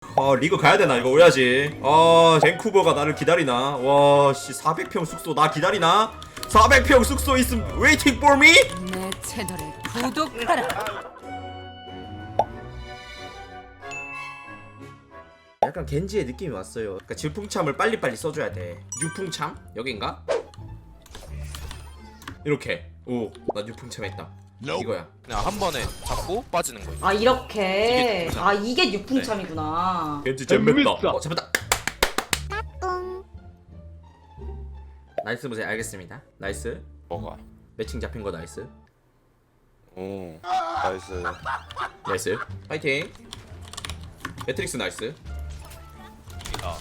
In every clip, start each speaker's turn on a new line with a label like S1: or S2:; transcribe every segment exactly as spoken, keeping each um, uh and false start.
S1: 아 리그 가야되나 이거 오야지. 아 밴쿠버가 나를 기다리나. 와씨 사백 평 숙소 나 기다리나. 사백 평 숙소 있음 waiting for me.
S2: 내 채널에 구독하라.
S1: 약간 겐지의 느낌이 왔어요. 그러니까 질풍참을 빨리빨리 써줘야 돼. 유풍참? 여긴가? 이렇게. 오, 나 유풍참 했다. 이거야.
S3: 그냥 한 번에 잡고 빠지는 거예요.
S4: 아 이렇게
S3: 이게
S4: 아 이게 육풍참이구나.
S1: 겐지 잼mes다. 어, 잡았다. 나이스 보세요. 알겠습니다. 나이스.
S3: 뭐가?
S1: 매칭 잡힌 거 나이스.
S3: 오, 나이스.
S1: 나이스. 파이팅. 매트릭스 나이스.
S3: 아,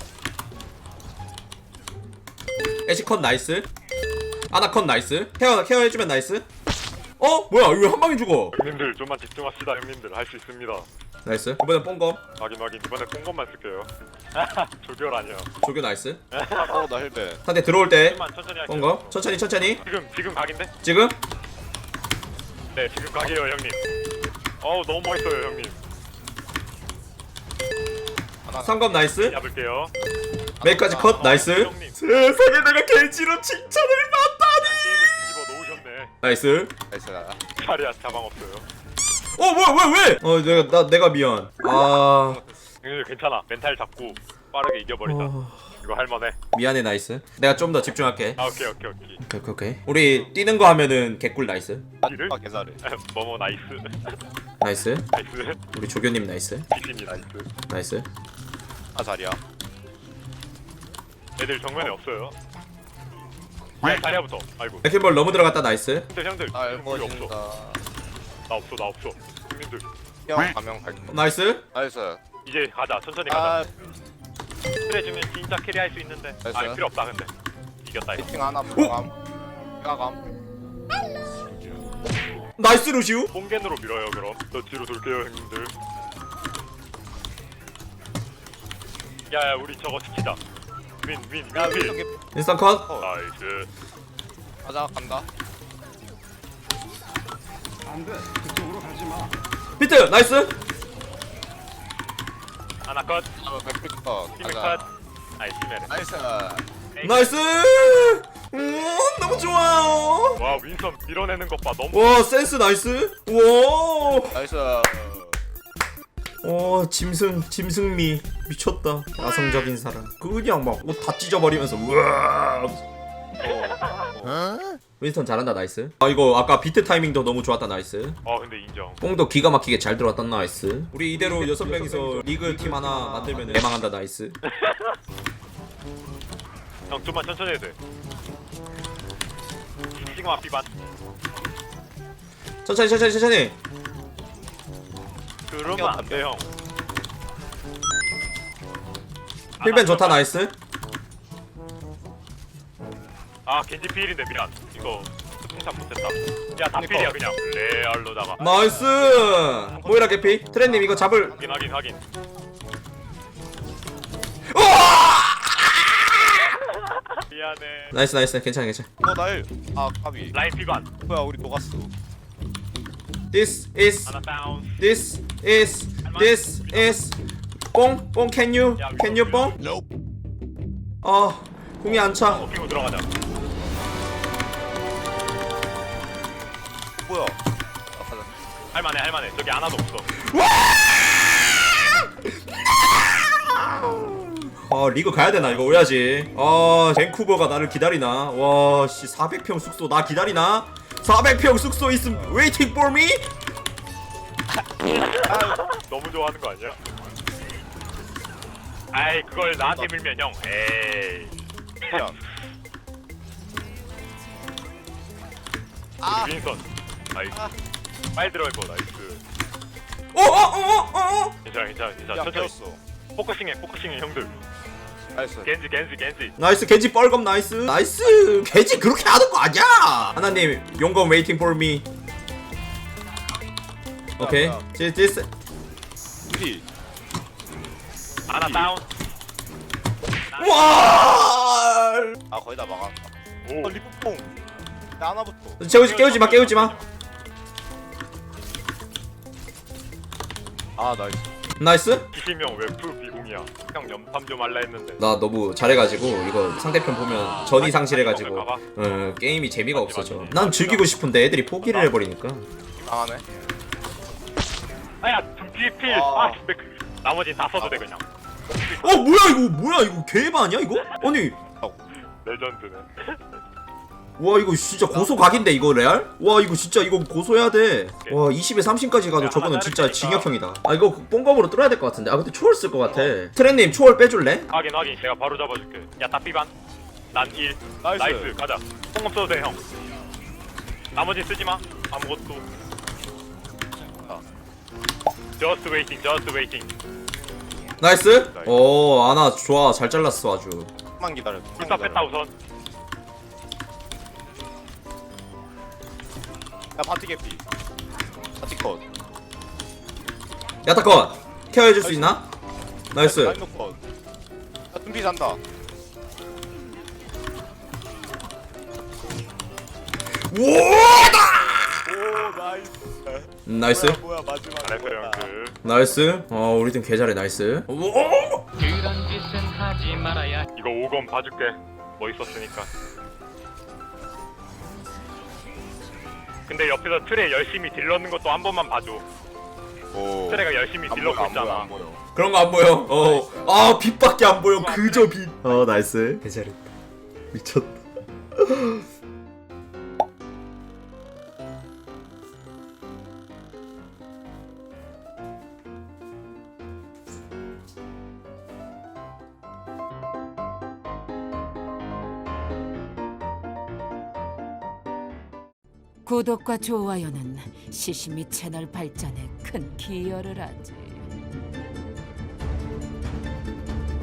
S1: 애쉬컷 나이스. 아나컷 나이스. 케어 케어 해주면 나이스. 어 뭐야 이거 왜 한 방에 죽어?
S5: 형님들 좀만 집중합시다. 형님들 할 수 있습니다.
S1: 나이스. 이번엔 뽕검.
S5: 확인 확인. 이번에 뽕건만 쓸게요. 조결 아니야.
S1: 조교 나이스.
S3: 어, 나 헬베.
S1: 상대 들어올 때
S5: 조금만 천천히 할게요.
S1: 뽕검. 천천히 천천히.
S5: 지금 지금 각인데?
S1: 지금.
S5: 네 지금 각이에요 형님. 어우 너무 멋있어요 형님.
S1: 상검 나이스.
S5: 잡을게요.
S1: 메이까지 컷 나이스.
S5: 형님.
S1: 세상에 내가 겐지로 칭찬을 받다니.
S5: 게임을 뒤집어 놓으셨네.
S1: 나이스.
S3: 나이스 나.
S5: 자리야 자방 없어요.
S1: 어 뭐야 왜 왜? 어 내가 나 내가 미안. 아
S5: 형님 괜찮아. 멘탈 잡고 빠르게 이겨버리자.
S1: 어...
S5: 이거 할만해.
S1: 미안해 나이스. 내가 좀 더 집중할게.
S5: 아 오케이 오케이 오케이.
S1: 오케이 오케이 오케이. 우리 뛰는 거 하면은 개꿀 나이스.
S5: 이를?
S3: 아, 개잘해.
S5: 뭐뭐 나이스.
S1: 나이스.
S5: 나이스.
S1: 우리 조교님 나이스.
S5: 귀신이 나이스.
S1: 나이스.
S3: 아, 자리야.
S5: 애들 정면에 없어요. 야 자리야부터. 아이고.
S1: 백힐볼 너무 들어갔다 나이스.
S5: 형들 형들.
S3: 아,
S5: 우리 없어.
S3: 멋진다.
S5: 나 없어 나 없어. 형님들
S3: 형 가면 갈게.
S1: 나이스.
S3: 나이스.
S5: 이제 가자. 천천히 가자.
S3: 아,
S5: 그래주면 진짜 캐리할 수 있는데. 아
S3: 됐어요?
S5: 필요 없다 근데. 이겼다 이거.
S3: 피팅 하나 들어감. 가감.
S1: 나이스 루시우.
S5: 뽕겐으로 밀어요 그럼. 저 뒤로 돌게요 형님들. 야야 우리 저거 지키자. 윈윈
S3: 야,
S5: 윈 윈.
S3: 저기
S1: 인스턴 컷.
S5: 나이스.
S3: 가자 간다.
S1: 비트 나이스.
S5: 하나 컷.
S3: 아, 백피커.
S5: 팀이 컷.
S3: 가자.
S5: 나이스 팀에.
S3: 나이스.
S1: 나이스. 음 너무 좋아요.
S5: 와 윈선 밀어내는 것 봐. 너무.
S1: 와 센스 나이스. 와.
S3: 나이스.
S1: 와 짐승 짐승미 미쳤다. 야성적인 사람. 그냥 막 옷 다 찢어버리면서 우와. 윈스턴 잘한다 나이스. 아 이거 아까 비트 타이밍도 너무 좋았다 나이스.
S5: 어 근데 인정.
S1: 뽕도 기가 막히게 잘 들어왔다 나이스. 우리 이대로 여섯 명이서 리그 팀 하나 만들면 대망한다 나이스.
S5: 형 좀만 천천히 해도 돼. 시그마 비반.
S1: 천천히 천천히 천천히.
S5: 그러면 안 돼 형.
S1: 필벤 좋다 나이스.
S5: 아 겐지 필인데 미안. 이거 통참 못했다. 야다 필이야 그냥. 레알로다가.
S1: 나이스. 모이라 개피. 트렌님 이거 잡을.
S5: 확인 확인 확인. 미안해.
S1: 나이스 나이스 괜찮아 괜찮아.
S3: 어, 날. 아, 까비.
S5: 라인 비반.
S3: 뭐야, 우리 녹았어.
S1: This is
S5: 하나 다운.
S1: this is this is 뽕? 뽕 can you can you 뽕? 아 공이 안 차.
S5: 어 피고 들어가자.
S3: 뭐야? 아, 가자.
S5: 할만해 할만해. 저기 하나도 없어.
S1: 아 리그 가야되나 이거 오야지. 아 밴쿠버가 나를 기다리나. 와씨 사백 평 숙소 나 기다리나. 사백 평 숙소 있음 waiting for me.
S5: 너무 좋아하는 거 아니야? 아이 그걸 나한테 밀면 형. 에이.
S3: 야. 아,
S5: 윈선. 나이스. 빨리 들어갈 거 나이스.
S1: 어어어어어.
S5: 괜찮아 괜찮아 괜찮아.
S3: 야,
S5: 천천히.
S3: 깨웠어.
S5: 포커싱해 포커싱해 형들.
S3: 나이스.
S5: 겐지 겐지 겐지.
S1: 나이스 겐지 뻘검 나이스. 나이스 겐지 그렇게 하는 거 아니야. 하나님 용검 waiting for me. 오케이.
S3: 야, 야.
S1: this this
S3: 우리.
S5: 하나 다운.
S1: 와.
S3: 아, 거의 다 막았다.
S5: 오.
S3: 어, 리프퐁. 나 하나부터.
S1: 깨우지 깨우지 마 깨우지 마.
S3: 아, 나이스.
S1: 나이스.
S5: 이시명 웹프 비공이야. 형 연탐 좀 할라 했는데.
S1: 나 너무 잘해가지고 이거 상대편 보면 전이 상실해가지고
S5: 가봐.
S1: 어, 게임이 재미가 없어져. 난 즐기고 싶은데 애들이 포기를 해버리니까.
S3: 강하네.
S5: 아야 등뒤 필.
S3: 아.
S5: 아 근데 그 나머지 다 써도 돼 그냥.
S1: 어 뭐야 이거 뭐야 이거 개바 아니야 이거? 아니
S5: 레전드네.
S1: 와 이거 진짜 고소 각인데 이거 레알? 와 이거 진짜 이거 고소해야 돼. 와 이십에 삼십까지 가도
S5: 야,
S1: 저거는
S5: 하나
S1: 진짜
S5: 자르니까.
S1: 징역형이다. 아 이거 뽕검으로 뚫어야 될 것 같은데. 아 근데 초월 쓸 것 같아. 트렌님 초월 빼줄래?
S5: 확인 확인. 내가 바로 잡아줄게. 야 답비반. 난 일.
S3: 나이스.
S5: 나이스. 가자. 뽕검 써도 돼 형. 나머지 쓰지 마. 아무것도. Just waiting. Just waiting.
S1: 나이스. 어 아나 좋아 잘 잘랐어 아주.
S3: 만 기다려.
S5: 불사 뺐다 우선.
S3: 야 바티 개피. 바티 컷.
S1: 야타컷 케어해줄 수 있나? 나이스.
S3: 라인 컷. 야 tum피 잔다.
S1: 우와다.
S3: 오 나이스.
S1: 나이스.
S3: 뭐야 마지막.
S5: 잘했어 형들.
S1: 나이스. 어 우리 팀 개잘해 나이스. 오!
S5: 이거 오검 봐줄게. 멋있었으니까. 근데 옆에서 트레 열심히 딜 넣는 것도 한 번만 봐줘.
S3: 오.
S5: 트레가 열심히 딜 넣고 있잖아.
S3: 안 보여.
S1: 그런 거 안 보여. 어. 아 빛밖에 안 보여. 그저 빛. 어 나이스. 개잘했다. 미쳤다.
S2: 구독과 좋아요는 시시미 채널 발전에 큰 기여를 하지.